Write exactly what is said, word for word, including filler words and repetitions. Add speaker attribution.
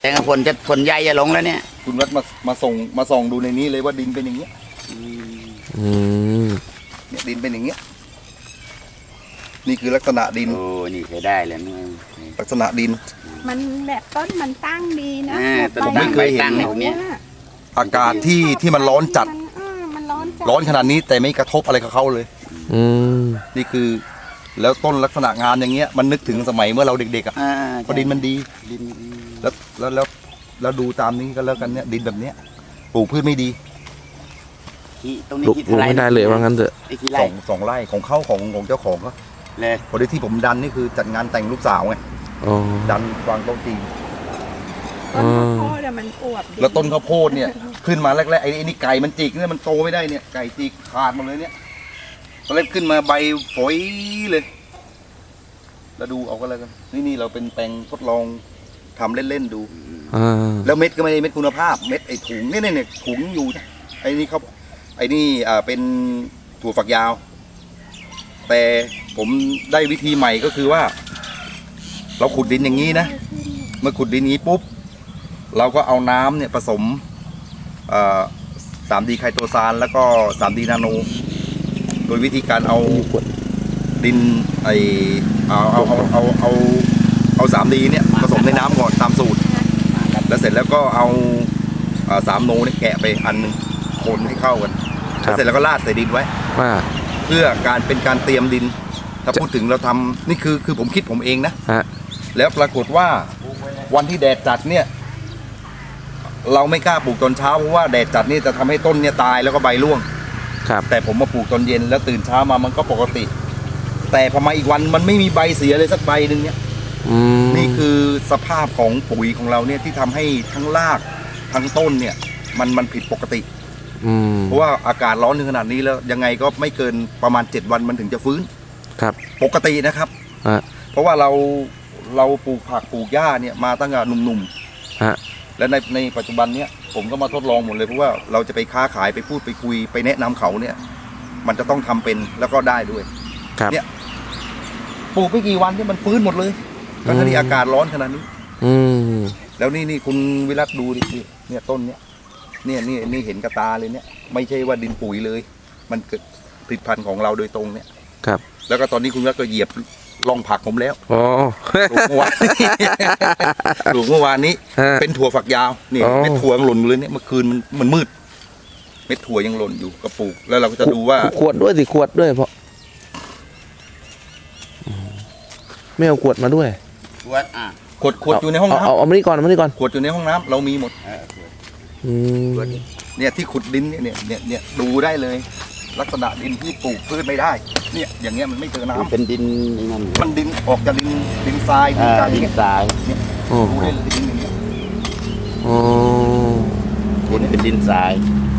Speaker 1: แต่ฝนจะฝนใหญ่จะลงแล้วเนี่ย
Speaker 2: คุณวัดมามาส่งมาส่องดูในนี้เลยว่าดินเป็นอย่างเงี้ย
Speaker 3: อืม
Speaker 2: เนี่ยดินเป็นอย่างเงี้ยนี่คือลักษณะดิน
Speaker 1: โอ้นี่เคยได้เลยนี่
Speaker 2: ลักษณะดิน
Speaker 4: มันแบบต้นมันตั้งดีนะ
Speaker 1: ผมไม่เคยเห็นแบบนี้
Speaker 2: อากาศที่ที่มันร้อนจัดร้อนขนาดนี้แต่ไม่กระทบอะไรกับเขาเลย
Speaker 3: อืม
Speaker 2: นี่คือแล้วต้นลักษณะงานอย่างเงี้ยมันนึกถึงสมัยเมื่อเราเด็กๆอ่ะเพราะดินมันดีแล้วแล้วแล้วแล้วดูตามนี้ก็แล้วกันเนี่ยดินแบบเนี้ยปลูกพืชไม่ดี
Speaker 1: ตรงนี้
Speaker 3: ปลูกไม่ได้เลยว่างั้นเถอะ
Speaker 2: สองสองไร่ของเข้าของของเจ้าของก็
Speaker 1: เลย
Speaker 2: พอดีที่ผมดันนี่คือจัดงานแต่งลูกสาวไงดันวางโต๊ะจีน
Speaker 4: ต้นข้าวโพดมันอวบ
Speaker 2: แล้วต้นข้าวโพดเนี่ยขึ้นมาแรกๆไอ้นี่ไก่มันจิกเนี่ยมันโตไม่ได้เนี่ยไก่จิกขาดหมดเลยเนี่ยตอนแรกขึ้นมาใบฝอยเลยแล้วดูเอาก็แล้วกันนี่นี่เราเป็นแปลงทดลองทำเล่นๆดูแล้วเม็ดก็ไม่เม็ดคุณภาพเม็ดไอ้ถุงเนี่ยเนี่ยถุงอยู่ไอ้นี่เขาไอ้นี่อ่าเป็นถั่วฝักยาวแต่ผมได้วิธีใหม่ก็คือว่าเราขุดดินอย่างนี้นะเมื่อขุดดินนี้ปุ๊บเราก็เอาน้ำเนี่ยผสมสามดีไคโตซานแล้วก็สามดีนาโนโดยวิธีการเอาดินไอเอาเอาเอาเอาเอาเอาสามดีเนี่ยผสมในน้ำก่อนตามสูตรแล้วเสร็จแล้วก็เอาสามโนเนี่ยแกะไปอันนึงคนให้เข้ากันเสร็จแล้วก็ราดใส่ดินไว้เพื่อการเป็นการเตรียมดินถ้าพูดถึงเราทำนี่คือคือผมคิดผมเองนะแล้วปรากฏว่าวันที่แดดจัดเนี่ยเราไม่กล้าปลูกตอนเช้าเพราะว่าแดดจัดนี่จะทำให้ต้นเนี่ยตายแล้วก็ใบร่วงแต่ผมมาปลูกตอนเย็นแล้วตื่นเช้ามามันก็ปกติแต่พอมาอีกวันมันไม่มีใบเสียเลยสักใบหนึ่งเนี่ยนี่คือสภาพของปุ๋ยของเราเนี่ยที่ทำให้ทั้งรากทั้งต้นเนี่ยมันมันผิดปกติเพราะว่าอากาศร้อนถึงขนาดนี้แล้วยังไงก็ไม่เกินประมาณเจ็ดวันมันถึงจะฟื้น
Speaker 3: ครับ
Speaker 2: ปกตินะครับเพราะว่าเราเราปลูกผักปลูกหญ้าเนี่ยมาตั้งแต่หนุ่มๆและในในปัจจุบันเนี้ยผมก็มาทดลองหมดเลยเพราะว่าเราจะไปค้าขายไปพูดไปคุยไปแนะนำเขาเนี่ยมันจะต้องทำเป็นแล้วก็ได้ด้วยเนี่ยปลูกไม่กี่วันที่มันฟื้นหมดเลยทั้งที่อากาศร้อนขนาดนี้แล้วนี่นี่คุณวิรัตดูดิเนี่ยต้นเนี้ยเนี่ยนี่นี่เห็นกระตาเลยเนี่ยไม่ใช่ว่าดินปุ๋ยเลยมันเกิดผลิตภัณฑ์ของเราโดยตรงเนี่ย
Speaker 3: ครับ
Speaker 2: แล้วก็ตอนนี้คุณวิรัตก็เหยียบลองผักผมแล้ว
Speaker 3: อ๋อ
Speaker 2: ปลูกเมื่อวานปลูกเมื่อวานนี้เป็นถั่วฝักยาวนี่เม็ดถั่วยังหล่นอยู่เลยเนี่ยเมื่อคืนมันมันมืดเม็ดถั่วยังหล่นอยู่ก็ปลูกแล้วเราก็จะดูว่า
Speaker 3: ขวดด้วยสิขวดด้วยเพราะไม่เอาขวดมาด้วย
Speaker 1: ขวดอ่ะ
Speaker 2: ขวดขวดอยู่ในห้องน้ำ
Speaker 3: เอาเอามานี่ก่อนเอามานี่ก่อน
Speaker 2: ขวดอยู่ในห้องน้ำเรามีหมดเนี่ยที่ขุดดินเนี่ยเนี่ยเนี่ยดูได้เลยลักษณะดินที่ปลูกพืชไม่ได้เนี่ยอย่างเงี้ยมันไม่เจอน้ำ
Speaker 1: เป็นดินนั่น
Speaker 2: มันดินออกจากดินดินทรายดินทราย
Speaker 1: ดินทราย
Speaker 2: เนี่ยดูได้เลยดินอย่างเงี้ย
Speaker 3: อ๋อ
Speaker 1: ดินเป็นดินทราย